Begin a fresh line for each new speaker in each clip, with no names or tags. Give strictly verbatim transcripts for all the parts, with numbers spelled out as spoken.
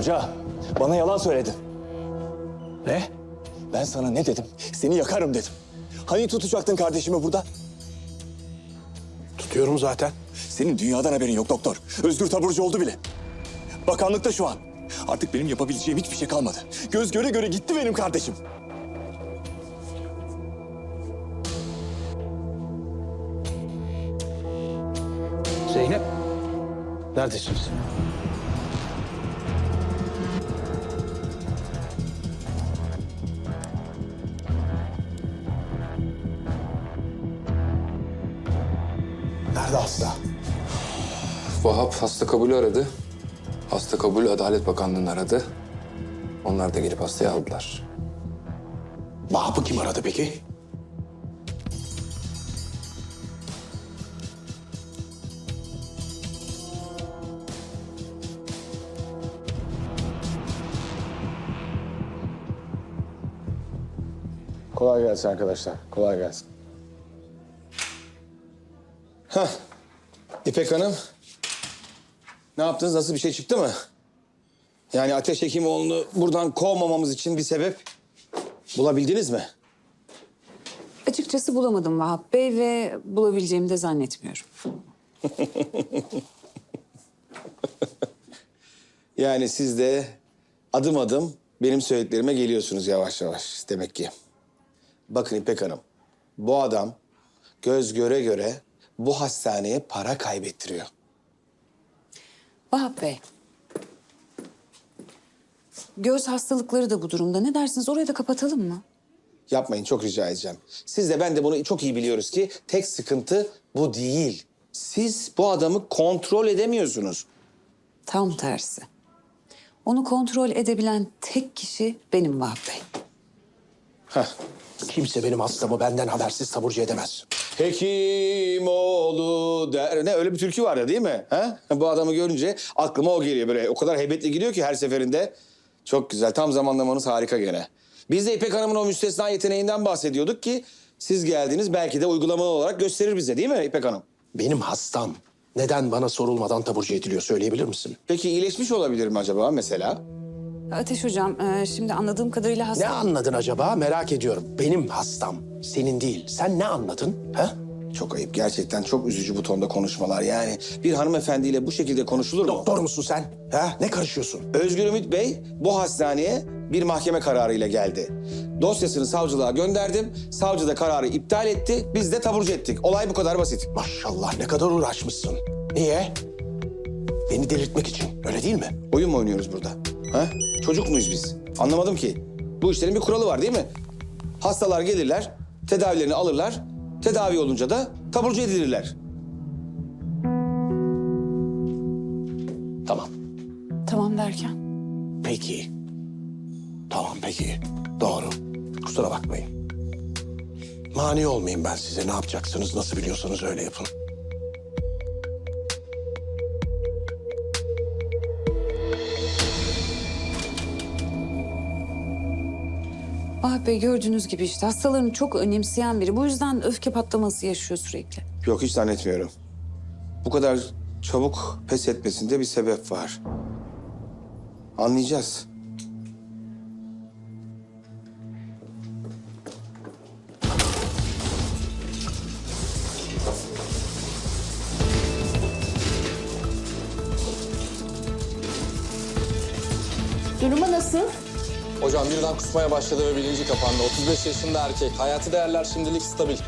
Hoca, bana yalan söyledin.
Ne?
Ben sana ne dedim? Seni yakarım dedim. Hani tutacaktın kardeşimi burada?
Tutuyorum zaten.
Senin dünyadan haberin yok doktor. Özgür taburcu oldu bile. Bakanlıkta şu an. Artık benim yapabileceğim hiçbir şey kalmadı. Göz göre göre gitti benim kardeşim.
Zeynep, neredesiniz? Nerede hasta?
Vahap hasta kabulü aradı. Hasta kabulü Adalet Bakanlığı'nı aradı. Onlar da gelip hastayı aldılar.
Vahap'ı kim aradı peki?
Kolay gelsin arkadaşlar. Kolay gelsin. Hah. İpek Hanım. Ne yaptınız? Nasıl bir şey çıktı mı? Yani Ateş Hekimoğlu'nu buradan kovmamamız için bir sebep bulabildiniz mi?
Açıkçası bulamadım Vahap Bey ve bulabileceğimi de zannetmiyorum.
Yani siz de adım adım benim söylediklerime geliyorsunuz yavaş yavaş demek ki. Bakın İpek Hanım, bu adam göz göre göre bu hastaneye para kaybettiriyor.
Vahap Bey, göz hastalıkları da bu durumda. Ne dersiniz? Orayı da kapatalım mı?
Yapmayın, çok rica edeceğim. Siz de ben de bunu çok iyi biliyoruz ki tek sıkıntı bu değil. Siz bu adamı kontrol edemiyorsunuz.
Tam tersi. Onu kontrol edebilen tek kişi benim Vahap Bey.
Heh.
Kimse benim hastamı benden habersiz taburcu edemez.
Hekimoğlu der. Ne öyle bir türkü var ya değil mi? Ha? Bu adamı görünce aklıma o geliyor böyle. O kadar heybetli geliyor ki her seferinde. Çok güzel. Tam zamanlamanız harika gene. Biz de İpek Hanım'ın o müstesna yeteneğinden bahsediyorduk ki siz geldiniz belki de uygulamalı olarak gösterir bize değil mi İpek Hanım?
Benim hastam neden bana sorulmadan taburcu ediliyor söyleyebilir misin?
Peki iyileşmiş olabilir mi acaba mesela?
Ateş Hocam, e, şimdi anladığım kadarıyla hasta...
Ne anladın acaba merak ediyorum. Benim hastam, senin değil. Sen ne anladın? Ha?
Çok ayıp. Gerçekten çok üzücü bu tonda konuşmalar. Yani bir hanımefendiyle bu şekilde konuşulur mu?
Doktor musun sen? Ha? Ne karışıyorsun?
Özgür Ümit Bey bu hastaneye bir mahkeme kararıyla geldi. Dosyasını savcılığa gönderdim. Savcı da kararı iptal etti. Biz de taburcu ettik. Olay bu kadar basit.
Maşallah ne kadar uğraşmışsın. Niye? Beni delirtmek için, öyle değil mi?
Oyun mu oynuyoruz burada? Ha? Çocuk muyuz biz? Anlamadım ki. Bu işlerin bir kuralı var değil mi? Hastalar gelirler, tedavilerini alırlar. Tedavi olunca da taburcu edilirler.
Tamam.
Tamam derken?
Peki. Tamam peki. Doğru. Kusura bakmayın. Mani olmayayım ben size. Ne yapacaksınız, nasıl biliyorsanız öyle yapın.
Vahap Bey gördüğünüz gibi işte hastalarını çok önemseyen biri. Bu yüzden öfke patlaması yaşıyor sürekli.
Yok hiç zannetmiyorum. Bu kadar çabuk pes etmesinde bir sebep var. Anlayacağız.
Durumu nasıl?
Hocam birden kusmaya başladı ve bilinci kapandı. otuz beş yaşında erkek. Hayati değerler şimdilik stabil.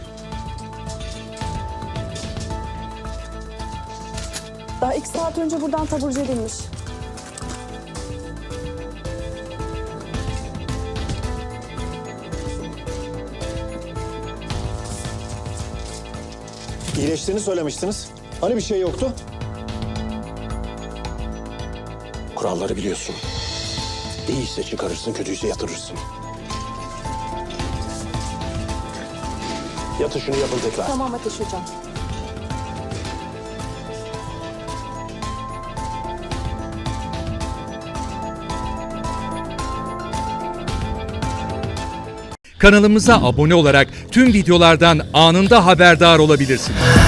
Daha iki saat önce buradan taburcu edilmiş.
İyileştiğini söylemiştiniz. Hani bir şey yoktu?
Kuralları biliyorsun. İyiyse çıkarırsın, kötüyse yatırırsın. Yatışını yapın tekrar.
Tamam Ateş Hocam.
Kanalımıza abone olarak tüm videolardan anında haberdar olabilirsiniz.